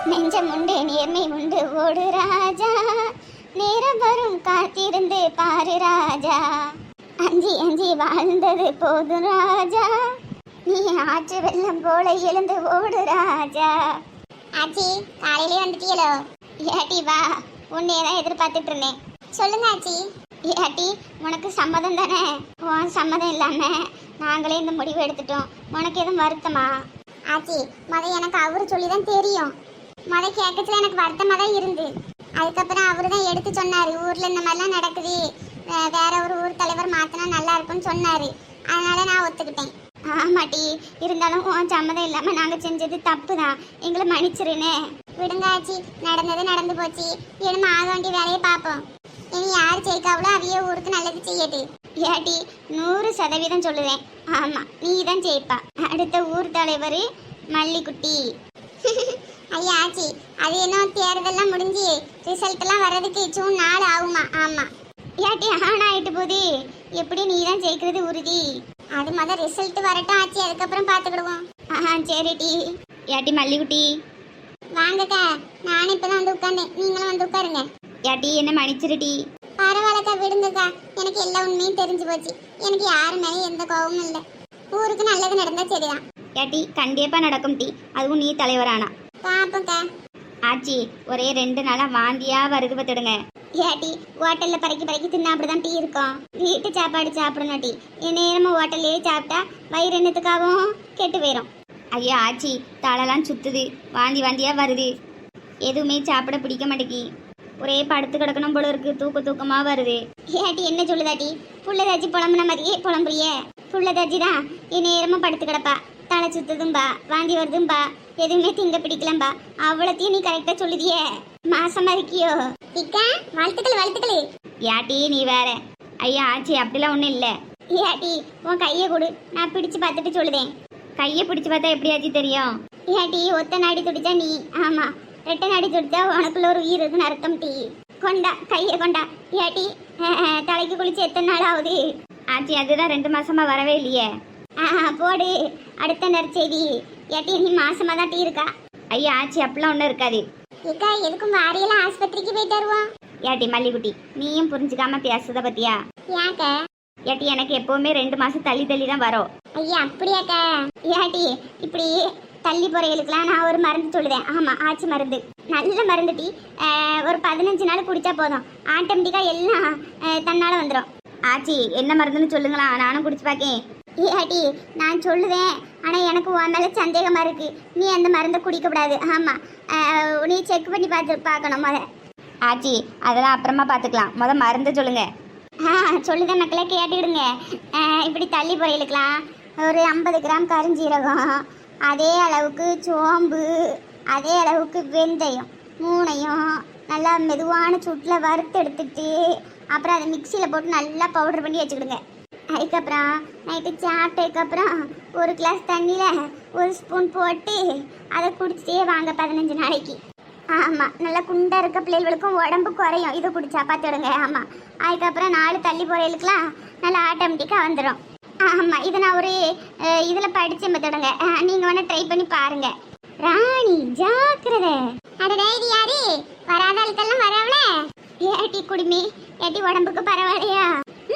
நெஞ்சம் உண்டு நேர்மை உண்டு ஓடு ராஜா, நேரம் வரும் காத்திருந்து பாரு ராஜா, அஞ்சி அஞ்சி வாழ்ந்தது போதும் ராஜா, நீ ஆற்று வெள்ளம் போல எழுந்து ஓடு ராஜா. ஆச்சி காலையிலே வந்துட்டீங்களோ? ஏட்டி வா, உன்னையதான் எதிர்பார்த்துட்டு இருந்தேன். சொல்லுங்க ஆச்சி. ஏட்டி உனக்கு சம்மதம் தானே? உன் சம்மதம் இல்லாம நாங்களே இந்த முடிவு எடுத்துட்டோம். உனக்கு எதுவும் வருத்தமா? ஆச்சி எனக்கு அவரு சொல்லிதான் தெரியும். கேட்கறதுல எனக்கு வருத்தமாக தான் இருந்து. அதுக்கப்புறம் அவரு தான் எடுத்து சொன்னார், ஊரில் இந்த மாதிரிலாம் நடக்குது, வேற ஒரு ஊர் தலைவர் மாற்றினா நல்லா இருக்கும்னு சொன்னார். அதனால நான் ஒத்துக்கிட்டேன். ஆமாட்டி, இருந்தாலும் உன் சம்மதம் இல்லாமல் நாங்கள் செஞ்சது தப்பு தான், எங்களை மன்னிச்சிருன்னு. விடுங்க ஆச்சி, நடந்தது நடந்து போச்சு. இனிமே ஆக வேண்டிய வேலையை பார்ப்போம். இனி யார் ஜெயிக்காவளோ அவைய ஊருக்கு நல்லது செய்யட்டு. ஏட்டி 100% சொல்லுவேன். ஆமாம், நீ தான் ஜெயிப்பா. அடுத்த ஊர் தலைவர் மல்லிக்குட்டி. ஐயா ஆச்சி, அது என்ன தேர்தெல்லாம் முடிஞ்சு ரிசல்ட்லாம் வர்றதுக்கு ஜூன் 4 ஆகுமா? ஆமாம். ஏட்டி ஆயிட்டு போகுது, எப்படி நீ தான் ஜெயிக்கிறது உறுதி. அது முதல் ரிசல்ட் வரட்டும் ஆச்சி, அதுக்கப்புறம் பார்த்துக்கிடுவோம். சரிட்டி. ஏட்டி மல்லிக்குட்டி வாங்கக்கா, நானும் இப்பதான் வந்து உட்காந்தேன், நீங்களும் வந்து உட்காருங்க. ஏட்டி என்ன மன்னிச்சிருட்டி. பரவாயில்லக்கா, விடுங்கக்கா, எனக்கு எல்லா உண்மையும் தெரிஞ்சு போச்சு. எனக்கு யாரு மேலேயும் எந்த கோபமும் இல்லை. ஊருக்கு நல்லது நடந்தா சரிதான். ஏட்டி கண்டிப்பா நடக்கும் டி, அதுவும் நீ தலைவரானா பாப்பக்கா. ஆச்சி ஒரே 2 நாளா வாந்தியா வருது பார்த்துடுங்க. ஏட்டி ஹோட்டல்ல பறக்கி தின்னா அப்படிதான் டீ இருக்கும். வீட்டு சாப்பாடு சாப்பிடணும் டீ. நேரமும் ஹோட்டல்லையே சாப்பிட்டா வயிறு என்னத்துக்காகவும் கெட்டு போயிடும். ஐயா ஆச்சி தலைலாம் சுத்துது, வாந்தியா வருது, எதுவுமே சாப்பிட பிடிக்க மாட்டேங்கி, ஒரே படுத்து கிடக்கணும் போல இருக்கு, தூக்கமா வருது. ஏட்டி என்ன சொல்லுதாட்டி? புள்ளதாச்சி புலம்புன மாதிரியே புலம்புறிய. புள்ளதாச்சி தான் நேரமும் படுத்து கிடப்பா, தலை சுத்துதும்பா, வாந்தி வருதும்பா, எதுவுமே திங்க பிடிக்கலம்பா. அவ்வளோத்தையும் நீ கரெக்டா சொல்லுதியே. மாசமா இருக்கியோ? வாழ்த்துக்கள். ஏட்டி நீ வேற. ஐயா ஆச்சி அப்படிலாம் ஒன்றும் இல்லை. ஏட்டி உன் கையை கொடு, நான் பிடிச்சு பார்த்துட்டு சொல்லுதேன். கையை பிடிச்சு பார்த்தா எப்படி ஆச்சு தெரியும்? ஏட்டி ஒத்த நாடி துடிச்சா நீ, ஆமா 2 நாடி துடிச்சா உனக்குள்ள ஒரு உயிர் இருக்குன்னு அர்த்தம் டீ. கொண்டா கையை கொண்டா. ஏட்டி தலைக்கு குளிச்சு எத்தனை நாள் ஆகுது? ஆச்சி அதுதான் 2 மாசமா வரவே இல்லையே. போடு அடுத்த நற்செய்தி. ஏட்டி நீ மாசமா தான் டீ இருக்கா? ஐயா ஆச்சி அப்படிலாம் ஒன்றும் இருக்காது. ஏக்கா எதுக்கும் வாரியெல்லாம் ஆஸ்பத்திரிக்கு போயிட்டு வருவோம். ஏட்டி மல்லிக்குட்டி நீயும் புரிஞ்சுக்காம பேசுத பத்தியா? ஏக்க ஏட்டி எனக்கு எப்பவுமே 2 மாசம் தள்ளி தான் வரும். ஐயா அப்படியாக்கா? ஏட்டி இப்படி தள்ளி போறவங்களுக்குலாம் நான் ஒரு மருந்து சொல்லுதேன். ஆமா ஆச்சி மருந்து, நல்ல மருந்து டீ. ஒரு 15 நாள் குடிச்சா போதும், ஆட்டோமேட்டிக்கா எல்லாம் தன்னால வந்துடும். ஆச்சி என்ன மருந்துன்னு சொல்லுங்களா, நானும் குடிச்சு பார்க்கேன். ஏட்டி நான் சொல்லுவேன், ஆனால் எனக்கு உன் மேலே சந்தேகமாக இருக்குது. நீ அந்த மருந்தை குடிக்கக்கூடாது. ஆமாம், நீ செக் பண்ணி பார்க்கணும் ஆச்சி. அதெல்லாம் அப்புறமா பார்த்துக்கலாம், மருந்து சொல்லுங்க. சொல்லுங்க மக்களே, கேட்டுக்கிடுங்க. இப்படி தள்ளி பொரியலுக்கலாம் ஒரு 50 கிராம் கருஞ்சீரகம், அதே அளவுக்கு சோம்பு, அதே அளவுக்கு வெந்தயம், 3ஐயும் நல்லா மெதுவான சூட்டில் வறுத்து எடுத்துட்டு அப்புறம் அதை மிக்சியில் போட்டு நல்லா பவுடர் பண்ணி வச்சுக்கிடுங்க. அதுக்கப்புறம் நைட்டு சாப்பிட்டதுக்கப்புறம் 1 கிளாஸ் தண்ணியில் 1 ஸ்பூன் போட்டு அதை குடிச்சிட்டே வாங்க 15 நாளைக்கு. ஆமாம், நல்லா குண்டாக இருக்க பிள்ளைகளுக்கும் உடம்பு குறையும் இதை குடிச்சா பார்த்துடுங்க. ஆமாம், அதுக்கப்புறம் 4 தள்ளி போகிறதுக்கெலாம் நல்லா ஆட்டோமேட்டிக்காக வந்துடும். ஆமாம், இதை நான் ஒரு இதில் படித்து பார்த்துடுங்க, நீங்கள் வேணால் ட்ரை பண்ணி பாருங்கள். ராணி ஜாக்கிரதை. அடடே இது யாரு? வராத ஆளுக்கெல்லாம் வரவள. ஏட்டி குடிமி, ஏட்டி உடம்புக்கு பரவாயில்லையா?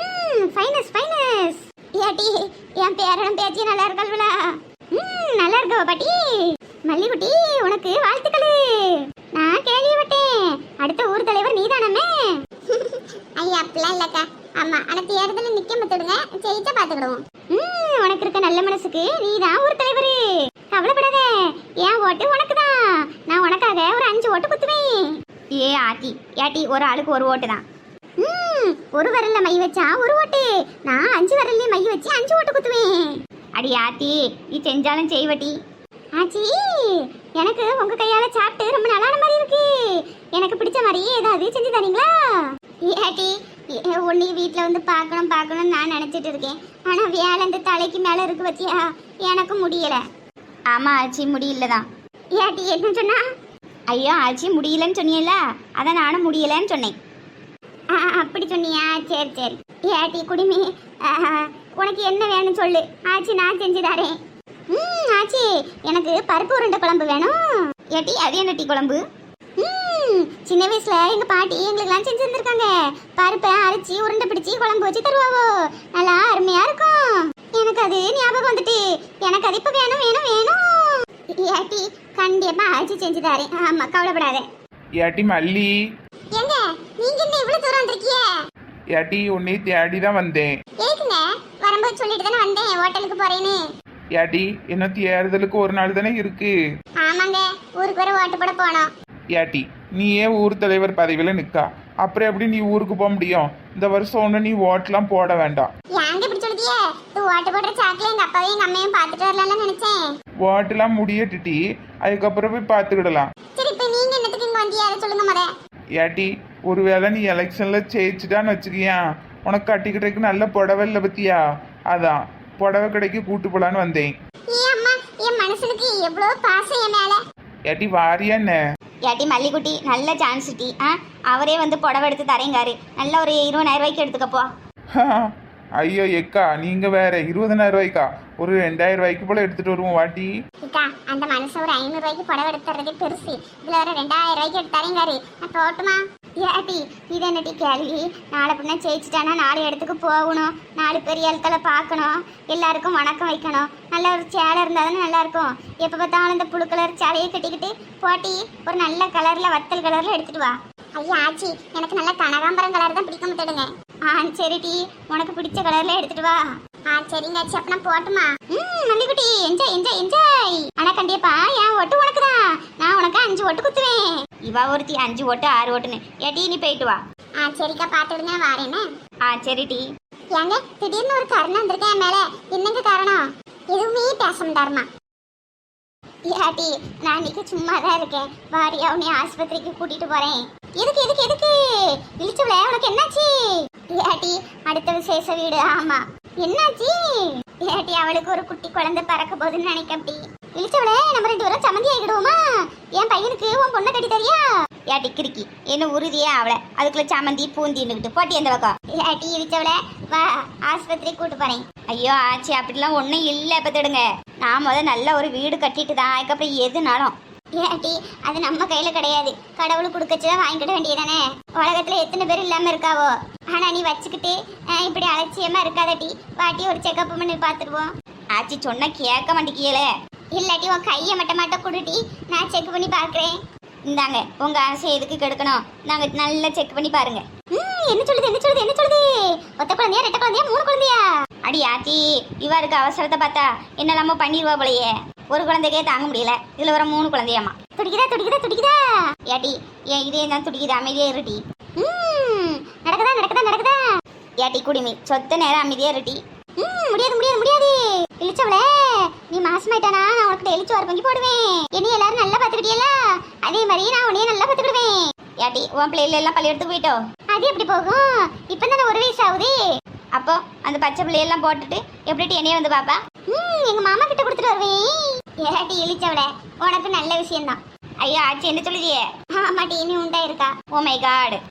ஃபைனஸ். ஏட்டி என் பேரனும் பேச்சு நல்லா இருக்கல்வளா? நல்லா இருக்கவ பாட்டி. மல்லிகுட்டி உனக்கு வாழ்த்துக்கள். நான் கேள்விப்பட்டேன் அடுத்த ஊர் தலைவர் நீதானமே. ஐயா அப்படிலாம் இல்லக்கா. ஆமா, ஆனா தேர்தலில் நிக்க மத்துடுங்க, ஜெயிச்சா பாத்துக்கிடுவோம். உனக்கு இருக்க நல்ல மனசுக்கு நீதான் ஊர் தலைவர், கவலைப்படாத. என் ஓட்டு உனக்கு தான், நான் உனக்காக ஒரு 5 ஓட்டு குத்துவேன். ஏ ஆட்டி ஏட்டி ஒரு ஆளுக்கு 1 ஓட்டு தான். ஒரு விரல்ல மை வச்சா 1 ஓட்டு, நான் 5 விரல்ல மை வச்சு 5 ஓட்டு குத்துவேன். அடி ஆத்தி நீ செஞ்சாலும் செய்வட்டி. ஆச்சி எனக்கு உங்க கையால சாப்பிட்டு ரொம்ப நல்லான மாதிரி இருக்கு, எனக்கு பிடிச்ச மாதிரி ஏதாவது செஞ்சு தரீங்களா? ஏட்டி உன்னை வீட்டில் வந்து பார்க்கணும்னு நான் நினச்சிட்டு இருக்கேன், ஆனால் வேலை இந்த தலைக்கு மேலே இருக்கு பத்தியா, எனக்கு முடியல. ஆமாம் ஆச்சி முடியலதான். ஏட்டி என்ன சொன்னா? ஐயோ ஆச்சி முடியலன்னு சொன்னியல, அதான் நானும் முடியலன்னு சொன்னேன். அப்படி சொன்னியா? சரி. ஏட்டி குடிமி உனக்கு என்ன வேணும் சொல்லு, ஆச்சி நான் செஞ்சு தரேன். ஆச்சி எனக்கு பருப்பு உருண்டை குழம்பு வேணும். ஏட்டி அது என்ன டீ குழம்பு? சின்ன வயசுல எங்க பாட்டி எங்களுக்கெல்லாம் செஞ்சு தந்திருக்காங்க. பருப்பை அரைச்சி உருண்டை பிடிச்சி குழம்பு வச்சு தருவாவோ, நல்லா அருமையா இருக்கும். எனக்கு அது ஞாபகம் வந்துட்டு. எனக்கு அது இப்ப வேணும் வேணும் வேணும். ஏட்டி கண்டிப்பா அரைச்சி செஞ்சு தரேன். ஆமா கவலைப்படாத. ஏட்டி மல்லி, எங்க நீங்க என்ன இவ்வளவு தூரம் வந்திருக்கீங்க? ஏட்டி உன்னை தேடி தான் வந்தேன். ஏக்குங்க வரும்போது சொல்லிட்டு தானே வந்தேன் ஹோட்டலுக்கு போறேன்னு. ஏட்டி என்ன தேர்தலுக்கு ஒரு நாள் தானே இருக்கு. ஆமாங்க ஊருக்கு வர ஓட்டு போட போனோம். ஏட்டி நீ ஏன் ஊர் தலைவர் பதவியில நிக்கா? அப்புறம் எப்படி நீ ஊருக்கு போக முடியும்? இந்த வருஷம் ஒண்ணு நீ ஓட்டெல்லாம் போட வேண்டாம். ஏங்க இப்படி சொல்லிட்டியே? இது ஓட்டு போடுற சாக்குல எங்க அப்பாவையும் எங்க அம்மையும் பார்த்துட்டு வரலாம்னு நினைச்சேன். ஓட்டெல்லாம் முடியட்டுட்டி, அதுக்கப்புறம் போய் பார்த்துக்கிடலாம். சரி இப்ப நீங்க என்னத்துக்கு இங்க வந்தீங்க அதை சொல்லுங்க முத. ஏட்டி ஒருவேளை நீ எலெக்ஷன்ல ஜெயிச்சுட்டான்னு வச்சுக்கியா, உனக்கு கட்டிக்கிட்டதுக்கு நல்ல புடவை இல்லை பத்தியா, அதான் புடவை கடைக்கு கூட்டு போலான்னு வந்தேன். ஏ அம்மா என் மனசுக்கு எவ்வளவு பாசம் என் மேல. ஏட்டி வாரியா என்ன? ஏட்டி மல்லிகுட்டி நல்ல சான்ஸ் டி. அவரே வந்து புடவை எடுத்து தரேங்காரு. நல்ல ஒரு 20,000 ரூபாய்க்கு எடுத்துக்கப்போ. ஐயோ எக்கா நீங்க வேற 20,000 ரூபாய்க்கா? ஒரு 2,000 ரூபாய்க்கு போல எடுத்துட்டு வருவோம் வாட்டி. அக்கா அந்த மனசு ஒரு 500 ரூபாய்க்கு புடவை எடுத்துறதே பெருசு. இதுல ஒரு 2,000 ரூபாய்க்கு எடுத்து தரேங்காரு. நான் போட்டுமா? ஏட்டி இது என்னட்டி கேள்வி? நாளை பின்ன ஜெயிச்சுட்டானா 4 இடத்துக்கு போகணும், 4 பெரிய ஆட்களை பார்க்கணும், எல்லாருக்கும் வணக்கம் வைக்கணும். நல்ல ஒரு சேலை இருந்தால் தானே நல்லா இருக்கும். எப்போ பார்த்தாலும் இந்த புழு கலர் சேலையை கட்டிக்கிட்டு போட்டி ஒரு நல்ல கலர்ல வத்தல் கலர்ல எடுத்துட்டு வா. ஐயா ஆச்சி எனக்கு நல்ல கனகாம்பரம் கலர் தான் பிடிக்க மாட்டேடுங்க. சரி டி உனக்கு பிடிச்ச கலர்ல எடுத்துட்டு வா. சரிங்க ஆச்சி அப்ப நான் போட்டுமா? மல்லிகுட்டி என்ஜாய் என்ஜாய் என்ஜாய். ஆனா கண்டிப்பா என் ஓட்டு உனக்கு தான். நான் உனக்கு 5 ஓட்டு குத்துவேன். இவா ஒருத்தி 5 ஓட்டு 6 ஓட்டுன்னு. ஏட்டி நீ போயிட்டு வா. சரிக்கா பாத்துடுங்க வாரேன்னு. சரி டி. ஏங்க திடீர்னு ஒரு கருணை வந்திருக்கேன் என் மேல. என்னங்க காரணம்? எதுவுமே பேச மாட்டாருமா. ஏட்டி நான் இன்னைக்கு சும்மா தான் இருக்கேன். வாரியா உன்னை ஆஸ்பத்திரிக்கு கூட்டிட்டு போறேன். எதுக்கு எதுக்கு எதுக்கு? இழிச்சவள உனக்கு என்னாச்சு? ஏட்டி அடுத்த விசேஷ வீடு. ஆமா என்னாச்சு? ஏட்டி அவளுக்கு ஒரு குட்டி குழந்தை பிறக்க போகுதுன்னு நினைக்க. அப்படி இழிச்சவள நம்ம 2 பேரும் சம்மந்தி ஆகிடுவோமா? என் பையனுக்கு உன் பொண்ணை கட்டி தரியா? ஏட்டி கிறுக்கி என்ன உறுதியா அவளை அதுக்குள்ள சம்மந்தி பூந்தின்னுக்கிட்டு போட்டி அந்த பக்கம். ஏட்டி இழிச்சவள வா ஆஸ்பத்திரி கூட்டு போறேன். ஐயோ ஆச்சு அப்படிலாம் ஒன்றும் இல்லை. பார்த்துடுங்க நான் நல்ல ஒரு வீடு கட்டிட்டு தான் அதுக்கப்புறம் எதுனாலும். ஏட்டி அது நம்ம கையில கிடையாது. கடவுள் கொடுக்கச்சுதான் வாங்கிக்கிட வேண்டியதானே. உலகத்துல எத்தனை பேர் இல்லாம இருக்காவோ. ஆனா நீ வச்சுக்கிட்டு இப்படி அலட்சியமா இருக்காதட்டி. வாட்டி ஒரு செக்அப் பண்ணி பார்த்துருவோம். ஆச்சி சொன்னா கேட்க மாட்டேங்கியல. இல்லாட்டி உன் கையை மட்ட கொடுட்டி நான் செக் பண்ணி பார்க்குறேன். இந்தாங்க உங்க ஆசை எதுக்கு கெடுக்கணும். நாங்க நல்லா செக் பண்ணி பாருங்க. என்ன சொல்லுது என்ன சொல்லுது என்ன சொல்லுது? ஒத்த குழந்தையா 2 குழந்தையா 3 குழந்தையா? அடி ஆச்சி இவருக்கு அவசரத்தை பார்த்தா என்னெல்லாமோ பண்ணிடுவா போலையே. ஒரு குழந்தைக்கே தாங்க முடியல, இதுல வர 3 குழந்தையாமா. துடிக்குதா துடிக்குதா துடிக்குதா? ஏட்டி ஏன் இதே தான் துடிக்குது. அமைதியா இருட்டி. நடக்குதா நடக்குதா நடக்குதா? ஏட்டி குடிமி சொத்த நேரம் அமைதியா இருட்டி. முடியாது முடியாது முடியாது. இழிச்சவளே நீ மாசமாயிட்டானா நான் உனக்கு எழுச்சி வர பொங்கி போடுவேன். என்னைய எல்லாரும் நல்லா பாத்துக்கிட்டியல அதே மாதிரி நான் உன்னைய நல்லா பாத்துக்கிடுவேன். ஏட்டி உன் பிள்ளைல எல்லாம் பள்ளியெடுத்து போயிட்டோம். அது எப்படி போகும்? இப்பதானே 1 வயசு ஆகுது. அப்போ அந்த பச்சை பிள்ளையெல்லாம் போட்டுட்டு எப்படி என்னைய வந்து பாப்பா? எங்க மாமா கிட்ட கொடுத்துட்டு வருவேன். ஏட்டி இழிச்சவளே உனக்கு நல்ல விஷயம் தான். ஐயா ஆச்சி என்ன சொல்லுதியே? ஆமாட்டி நீ உண்டா இருக்கா. Oh my God